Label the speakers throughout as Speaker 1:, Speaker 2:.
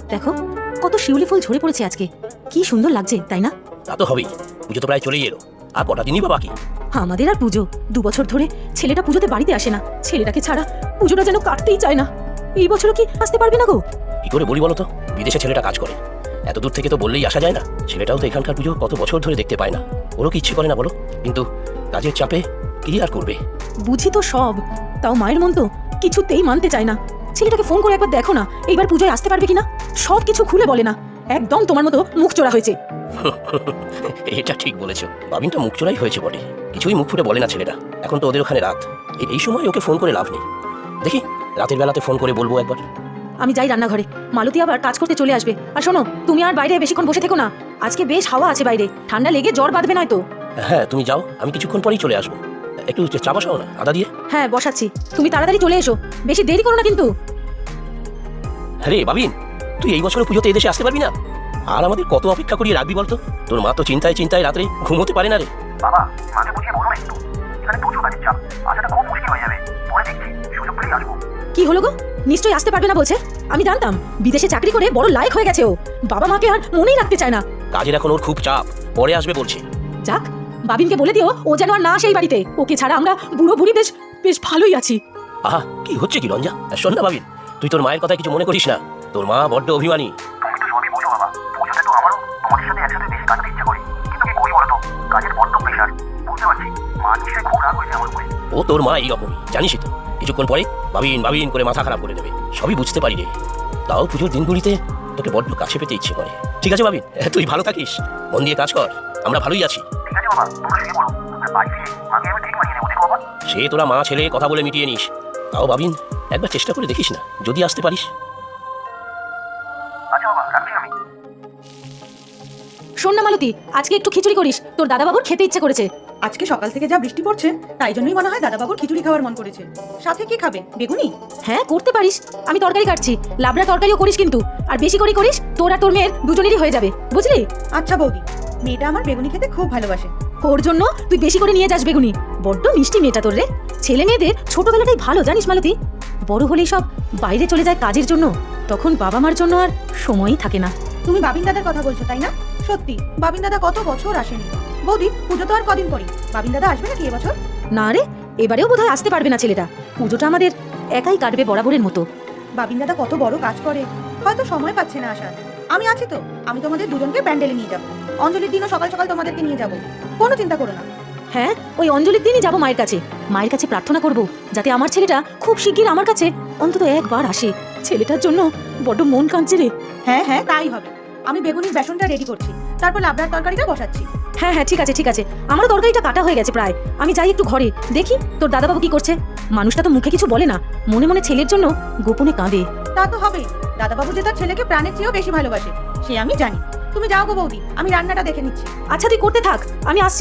Speaker 1: দেখো কত শিউলি ফুল ঝরে পড়েছে আজকে, কি সুন্দর লাগছে তাই না?
Speaker 2: তা তো হবেই, পুজো তো প্রায় চলেই এলো, আর কটা দিনই বা বাকি।
Speaker 1: আমাদের আর পুজো 2 বছর ধরে ছেলেটা পুজোতে বাড়িতে আসে না, ছেলেটাকে ছাড়া পুজোটা যেন কাটতেই চায় না। এই বছরও কি আসতে পারবে না গো?
Speaker 2: কি করে বলি বলো তো, বিদেশে ছেলেটা কাজ করে, এত দূর থেকে তো বললেই আসা যায় না। ছেলেটাও তো এখানকার পুজো কত বছর ধরে দেখতে পায় না, ওরও কি ইচ্ছে করে না বলো? কিন্তু কাজের চাপে কি আর করবে।
Speaker 1: বুঝি তো সব, তাও মায়ের মন তো কিছুতেই মানতে চায় না। ছেলেটাকে ফোন করে একবার দেখো না, এইবার পুজোয় আসতে পারবে কিনা। সব কিছু খুলে বলে না, একদম তোমার মতো মুখ চোরা হয়েছে।
Speaker 2: এটা ঠিক বলেছো, বাবিনটা মুখ চোরাই হয়েছে বটে, কিছুই মুখ ফুটে বলে না ছেলেটা। এখন তো ওদের ওখানে রাত, এই সময় ওকে ফোন করে লাভ নেই। দেখি রাতের বেলাতে ফোন করে বলবো একবার।
Speaker 1: আমি যাই রান্নাঘরে, মালতী আবার কাজ করতে চলে আসবে। আর শোনো, তুমি আর বাইরে বেশিক্ষণ বসে থেকো না, আজকে বেশ হাওয়া আছে বাইরে, ঠান্ডা লেগে জ্বর বাঁধবে নয়তো।
Speaker 2: হ্যাঁ তুমি যাও, আমি কিছুক্ষণ পরেই চলে আসবো। একটু চা বসাও না আদা দিয়ে।
Speaker 1: হ্যাঁ বসাচ্ছি, তুমি তাড়াতাড়ি চলে এসো, বেশি দেরি করো না কিন্তু।
Speaker 2: আরে বাবিন, তুই এই বছর পুজোতে এদেশে আসতে পারবি না? আর আমাদের কত অপেক্ষা করিয়ে রাখবি বলতো? তোর মা তো চিন্তায় চিন্তায় রাত্রে ঘুমোতে পারে না রে।
Speaker 3: বাবা, মাকে বুঝিয়ে বলো একটু, এখানে প্রচুর কাজের চাপ, আসাটা খুব মুশকিল হয়ে যাবে। পরে দেখছি, সুযোগ পেলেই আসবো।
Speaker 1: কি হলো গো, নিশ্চয়ই আসতে পারবে না বলছে? আমি জানতাম বিদেশে চাকরি করে বড় লায়ক হয়ে গেছে ও, বাবা মাকে আর মনেই রাখতে চায় না।
Speaker 2: কাজের এখন ওর খুব চাপ, পরে আসবে বলছে।
Speaker 1: যাক, বাবিনকে বলে দিও ও যেন আর না সেই বাড়িতে, ওকে ছাড়া আমরা বুড়ো বুড়ি বেশ বেশ ভালোই আছি।
Speaker 2: আহা, কি হচ্ছে কি রঞ্জা? শোন না বাবিন, তুই তোর মায়ের কথা কিছু মনে করিস না, তোর মা বড্ড অভিমানী।
Speaker 3: তুমি তো সবই বোঝো বাবা, পুজোতে তো আমারও তোমাদের সাথে একসাথে বেশি কাটাতে ইচ্ছে করে, কিন্তু কি করি বলো তো, কাজের বড্ড প্রেশার। বুঝতে পারছি, মা নিশ্চয়ই খুব রাগ হয়েছে আমার উপরে।
Speaker 2: ও তোর মা এইরকমই, জানিসই তো, কিছুক্ষণ পরে বাবিন বাবিন করে মাথা খারাপ করে দেবে। সবই বুঝতে পারি রে, তাও পুজোর দিনগুলিতে তোকে বড্ড কাছে পেতে ইচ্ছে করে। ঠিক আছে বাবিন, তুই ভালো থাকিস, মন দিয়ে কাজ কর, আমরা ভালোই আছি।
Speaker 3: ঠিক আছে বাবা, তোমরা শুয়ে পড়ো, আর বাড়ি ফিরে মাকে আমি ঠিক মানিয়ে নেবো, দেখো বাবা।
Speaker 2: সে তোরা মা ছেলে কথা বলে মিটিয়ে নিস, তাও বাবিন একবার চেষ্টা করে দেখিস না, যদি আসতে পারিস।
Speaker 3: আচ্ছা বাবা, রাখছি আমি।
Speaker 1: শোন না মালতী, আজকে একটু খিচুড়ি করিস, তোর দাদাবাবুর খেতে ইচ্ছে করেছে।
Speaker 4: আজকে সকাল থেকে যা বৃষ্টি পড়ছে, তাই জন্যই মনে হয় দাদাবাবুর খিচুড়ি খাওয়ার মন করেছে। সাথে কি খাবে, বেগুনি?
Speaker 1: হ্যাঁ করতে পারিস, আমি তরকারি কাটছি, লাবড়া তরকারিও করিস কিন্তু, আর বেশি করে করিস, তোর আর তোর মেয়ের দুজনেরই হয়ে যাবে, বুঝলি?
Speaker 4: আচ্ছা বৌদি, মেয়েটা আমার বেগুনি খেতে খুব ভালোবাসে।
Speaker 1: ওর জন্য তুই বেশি করে নিয়ে যাস বেগুনি, বড্ড মিষ্টি মেয়েটা তোর রে। ছেলে মেয়েদের ছোটবেলাটাই ভালো জানিস মালতী, বড় হলেই সব বাইরে চলে যায় কাজের জন্য, তখন বাবা মার জন্য আর সময়ই থাকে না।
Speaker 4: তুমি বাবিন দাদার কথা বলছো তাই না? সত্যি, বাবিন দাদা কত বছর আসেনি। বৌদি, পুজো তো আর কদিন পরই, বাবিন দাদা আসবে নাকি এবছর?
Speaker 1: না রে, এবারেও বোধহয় আসতে পারবে না ছেলেটা, পুজোটা আমাদের একাই কাটবে বরাবরের মতো।
Speaker 4: বাবিন দাদা কত বড় কাজ করে, হয়তো সময় পাচ্ছে না আসার। আমি আছি তো, আমি তোমাদের দুজনকে প্যান্ডেলে নিয়ে যাবো। অঞ্জলির দিনও সকাল সকাল তোমাদেরকে নিয়ে যাবো, কোনো চিন্তা করো না।
Speaker 1: হ্যাঁ, ওই অঞ্জলির দিনই যাবো মায়ের কাছে, মায়ের কাছে প্রার্থনা করব যাতে আমার ছেলেটা খুব শিগগির আমার কাছে অন্তত একবার আসে। ছেলেটার জন্য বড্ড মন কাঁদছে রে।
Speaker 4: হ্যাঁ হ্যাঁ, তাই হবে। আমি বেগুনির বেসনটা রেডি করছি, তারপর লাবড়ার তরকারিটা বসাচ্ছি।
Speaker 1: হ্যাঁ হ্যাঁ ঠিক আছে ঠিক আছে, আমারও তরকারিটা কাটা হয়ে গেছে প্রায়, আমি যাই একটু ঘরে দেখি তোর দাদাবাবু কি করছে। মানুষটা তো মুখে কিছু বলে না, মনে মনে ছেলের জন্য গোপনে কাঁদে।
Speaker 4: তা তো হবে, দাদাবাবু যে তার ছেলেকে প্রাণের চেয়েও বেশি ভালোবাসে, সে আমি জানি। তুমি যাও গো বৌদি, আমি রান্নাটা দেখে নিচ্ছি।
Speaker 1: আচ্ছা তুই করতে থাক, আমি আসছি।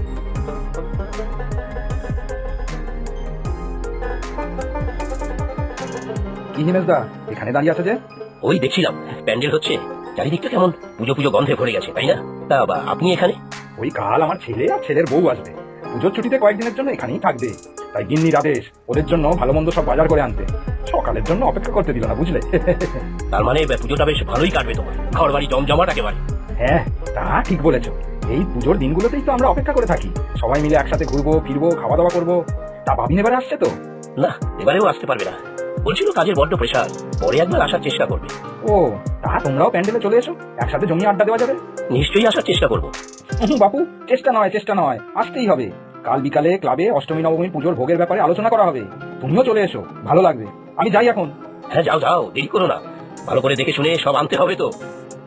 Speaker 5: কি জিনিস দা, এখানে দাঁড়িয়ে আছো যে?
Speaker 2: ওই দেখছিলাম প্যান্ডেল হচ্ছে, চারিদিকটা কেমন পুজো পুজো গন্ধে ভরে গেছে তাই না? তা আপনি এখানে?
Speaker 5: ওই কাল আমার ছেলে আর ছেলের বউ আসবে, পুজোর ছুটিতে কয়েকদিনের জন্য এখানেই থাকবে, তাই গিন্নির আদেশ ওদের জন্য ভালো মন্দ সব বাজার করে আনতে। সকালের জন্য অপেক্ষা করতে দিল না, বুঝলে?
Speaker 2: তার মানে পুজোটা বেশ ভালোই কাটবে তোমার, ঘর বাড়ি জমজমাট একেবারে।
Speaker 5: হ্যাঁ, তা ঠিক বলেছো। এই পুজোর দিনগুলোতেই তো আমরা অপেক্ষা করে থাকি, সবাই মিলে একসাথে ঘুরবো ফিরবো, খাওয়া দাওয়া করবো। তা ভাবিন এবারে আসছে তো?
Speaker 2: না, এবারেও আসতে পারবে না, বলছিল কাজের বড্ড প্রেশার, পরে একবার আসার চেষ্টা করবে।
Speaker 5: ও, তা তোমরাও প্যান্ডেলে চলে এসো, একসাথে জমিয়ে আড্ডা দেওয়া যাবে।
Speaker 2: নিশ্চয়ই আসার চেষ্টা করবো।
Speaker 5: বাপু, চেষ্টা নয়, আসতেই হবে। কাল বিকালে ক্লাবে অষ্টমী নবমী পুজোর ভোগের ব্যাপারে আলোচনা করা হবে, তুমিও চলে এসো, ভালো লাগবে। আমি যাই এখন।
Speaker 2: হ্যাঁ যাও যাও, দেরি করো না, ভালো করে দেখে শুনে সব আনতে হবে তো।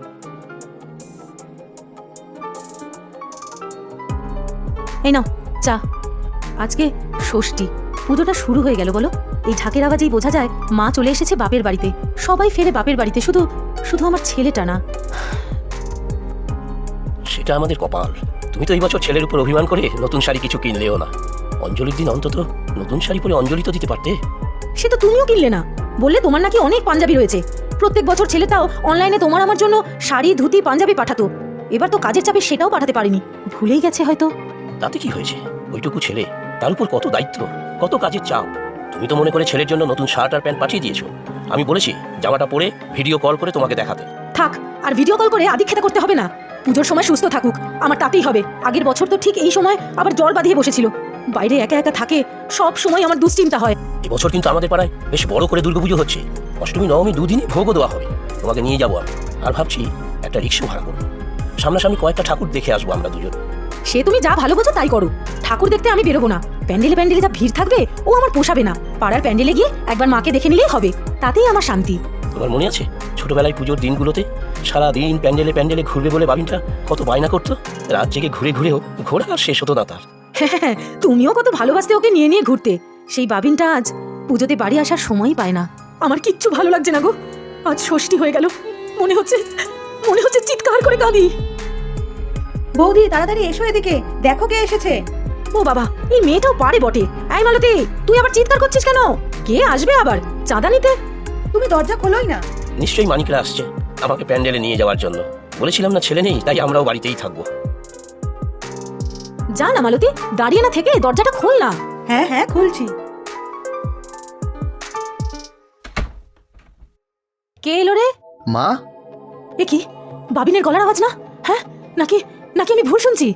Speaker 1: এই নাও চা। আজকে ষষ্ঠী, পুজোটা শুরু হয়ে গেল বলো, এই ঢাকের আওয়াজেই বোঝা যায় মা চলে এসেছে বাপের বাড়িতে, সবাই ফেরে বাপের বাড়িতে, শুধু শুধু আমার ছেলেটা না।
Speaker 2: সেটা আমাদের কপাল, তুমি তো এই বছর ছেলের উপর অভিমান করে নতুন শাড়ি কিছু কিনলেও না। অঞ্জলির দিন অন্তত নতুন শাড়ি পরে অঞ্জলি তো দিতে পারতে।
Speaker 1: সে তো তুমিও কিনলে না, বললে তোমার নাকি অনেক পাঞ্জাবি রয়েছে, প্রত্যেক বছর ছেলেটাও অনলাইনে তোমার আমার জন্য শাড়ি ধুতি পাঞ্জাবি পাঠাতো, এবার তো কাজের চাপে সেটাও পাঠাতে পারিনি, ভুলেই গেছে হয়তো।
Speaker 2: তাতে কি হয়েছে, ওইটুকু ছেলে, তার উপর কত দায়িত্ব, কত কাজের চাপ। তুমি তো মনে করে ছেলের জন্য নতুন শার্ট আর প্যান্ট পাঠিয়ে দিয়েছো, আমি বলেছি জামাটা পরে ভিডিও কল করে তোমাকে দেখাতে।
Speaker 1: থাক, আর ভিডিও কল করে আদিক্ষেতা করতে হবে না। পুজোর সময় সুস্থ থাকুক, আমার তাতেই হবে। আগের বছর তো ঠিক এই সময় আবার জ্বর বাঁধিয়ে বসেছিল। বাইরে একা একা থাকে, সব সময় আমার দুশ্চিন্তা হয়।
Speaker 2: এবছর কিন্তু আমাদের পাড়ায় বেশ বড় করে দুর্গাপুজো হচ্ছে। অষ্টমী নবমী দুদিনই ভোগও দেওয়া হবে। তোমাকে নিয়ে যাবো আমি, আর ভাবছি একটা রিক্সা ভাড়া করবো। সামনাসামনি কয়েকটা ঠাকুর দেখে আসবো আমরা দুজন।
Speaker 1: সে তুমি যা ভালো বোঝো তাই করো। ঠাকুর দেখতে আমি বেরোবো না। প্যান্ডেলে প্যান্ডেলে যা ভিড় থাকবে ও আমার পোষাবে না। পাড়ার প্যান্ডেলে গিয়ে একবার মাকে দেখে নিলেই হবে, তাতেই আমার শান্তি।
Speaker 2: তোমার মনে আছে ছোটবেলায় পুজোর দিনগুলোতে সারাদিন প্যান্ডেলে প্যান্ডেলে ঘুরবে বলে বাবিনটা কত বায়না করতো? রাত জেগে ঘুরে ঘুরেও ঘোরা আর শেষ হতো না তার।
Speaker 1: হ্যাঁ, তুমিও কত ভালোবাসতে ওকে নিয়ে নিয়ে ঘুরতে। সেই বাবিনটা আজ পুজোতে বাড়ি আসার সময়ই পায় না। আমার কিচ্ছু ভালো লাগছে না গো। আজ ষষ্ঠী হয়ে গেল, মনে হচ্ছে চিৎকার করে কাঁদি।
Speaker 4: বৌদি তাড়াতাড়ি এসো এদিকে, দেখো কে এসেছে।
Speaker 1: ও বাবা, এই মেয়েটাও পারে বটে। এই মালতী, তুই আবার চিৎকার করছিস কেন? কে আসবে আবার চাঁদা নিতে?
Speaker 4: তুমি দরজা খোলোই না।
Speaker 2: নিশ্চয়ই মানিকরা আসছে আমাকে প্যান্ডেলে নিয়ে যাওয়ার জন্য। বলেছিলাম না ছেলে নেই, তাই আমরাও বাড়িতেই থাকবো।
Speaker 1: যা না মালতী, দাঁড়িয়ে না থেকে দরজাটা খোল না।
Speaker 4: হ্যাঁ হ্যাঁ খুলছি।
Speaker 1: কে এলো রে?
Speaker 6: মা,
Speaker 1: এ কি বাবিনের গলার আওয়াজ না? হ্যাঁ, নাকি নাকি আমি ভুল শুনছি?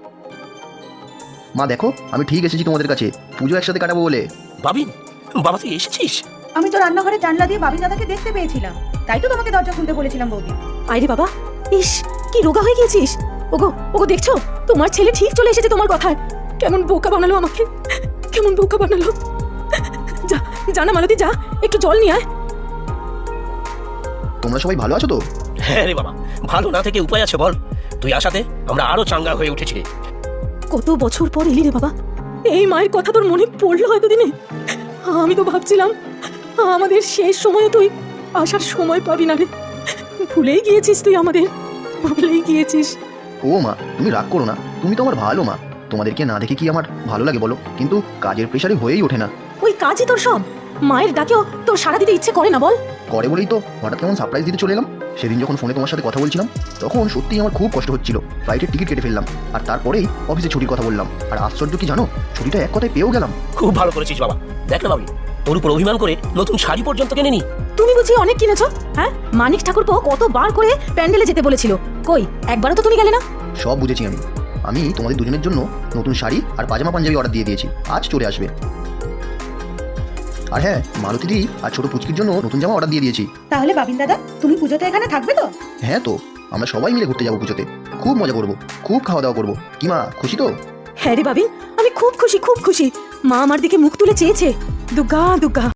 Speaker 6: মা দেখো, আমি ঠিক এসেছি তোমাদের কাছে পুজো একসাথে কাটাবো বলে।
Speaker 2: বাবিন, বাবা তুই এসেছিস?
Speaker 4: আমি তো রান্নাঘরে জানলা দিয়ে বাবিন দাদাকে দেখতে পেয়েছিলাম, তাই তো তোমাকে দরজা খুলতে বলেছিলাম বৌদি।
Speaker 1: আইরে বাবা, ইস কি রোগা হয়ে গিয়েছিস। ওগো দেখছো, তোমার ছেলে ঠিক চলে এসেছে তোমার কথায়। কেমন বোকা বানালো আমাকে, কেমন বোকা বানালো। যা যা না মালতী, যা একটু জল নিয়ে আয়।
Speaker 6: তোমরা সবাই ভালো আছো তো?
Speaker 2: হ্যাঁ রে বাবা, ভালো না থেকে উপায় আছে বল? তুই আসাতে আমরা আরো চাঙ্গা হয়ে উঠেছি।
Speaker 1: কত বছর পর এলি রে বাবা, এই মায়ের কথা তোর মনে পড়লো হয়তো দিনে। আমি তো ভাবছিলাম আমাদের শেষ সময় তুই আসার সময় পাবি না রে। ভুলেই গিয়েছিস তুই আমাদের, ভুলেই গিয়েছিস।
Speaker 6: ও মা, তুমি রাগ করো না, তুমি তো আমার ভালো মা। তোমাদেরকে না দেখে কি আমার ভালো লাগে বলো? কিন্তু কাজের প্রেশারে হয়েই ওঠে না।
Speaker 1: ওই কাজই তোর সব, মায়ের ডাকেও তোর সাড়া দিতে ইচ্ছে করে না বল?
Speaker 6: করে বলেই তো হঠাৎ কেমন সারপ্রাইজ দিতে চলে এলাম। সেদিন যখন ফোনে তোমার সাথে কথা বলছিলাম তখন সত্যিই আমার খুব কষ্ট হচ্ছিল। ফ্লাইটের টিকিট কেটে ফেললাম, আর তারপরেই অফিসে ছুটির কথা বললাম। আর আশ্চর্য কি জানো, ছুটিটা এক কথায় পেয়েও গেলাম।
Speaker 2: খুব ভালো করেছিস বাবা। দেখ না বাবি, তোর উপর অভিমান করে নতুন শাড়ি পর্যন্ত কিনে নি।
Speaker 1: তুমি বুঝি অনেক কিনেছো? হ্যাঁ, মানিক ঠাকুরপো কতবার করে প্যান্ডেলে যেতে বলেছিল, কই একবারও তো তুমি গেলে না।
Speaker 6: সব বুঝেছি আমি তোমাদের দুজনের জন্য নতুন শাড়ি আর পাজামা পাঞ্জাবি অর্ডার দিয়ে দিয়েছি, আজ চলে আসবে। আর হ্যাঁ, মালতীদি আর ছোট পুচকির জন্য নতুন জামা অর্ডার দিয়ে দিয়েছি।
Speaker 4: তাহলে বাবিন দাদা তুমি পুজোতে এখানে থাকবে তো?
Speaker 6: হ্যাঁ তো, আমরা সবাই মিলে ঘুরতে যাবো পুজোতে। খুব মজা করবো, খুব খাওয়া দাওয়া করবো। কি মা, খুশি তো?
Speaker 1: হ্যাঁ রে বাবিন, আমি খুব খুশি, খুব খুশি। মা আমার দিকে মুখ তুলে চেয়েছে। দুগ্গা দুগ্গা।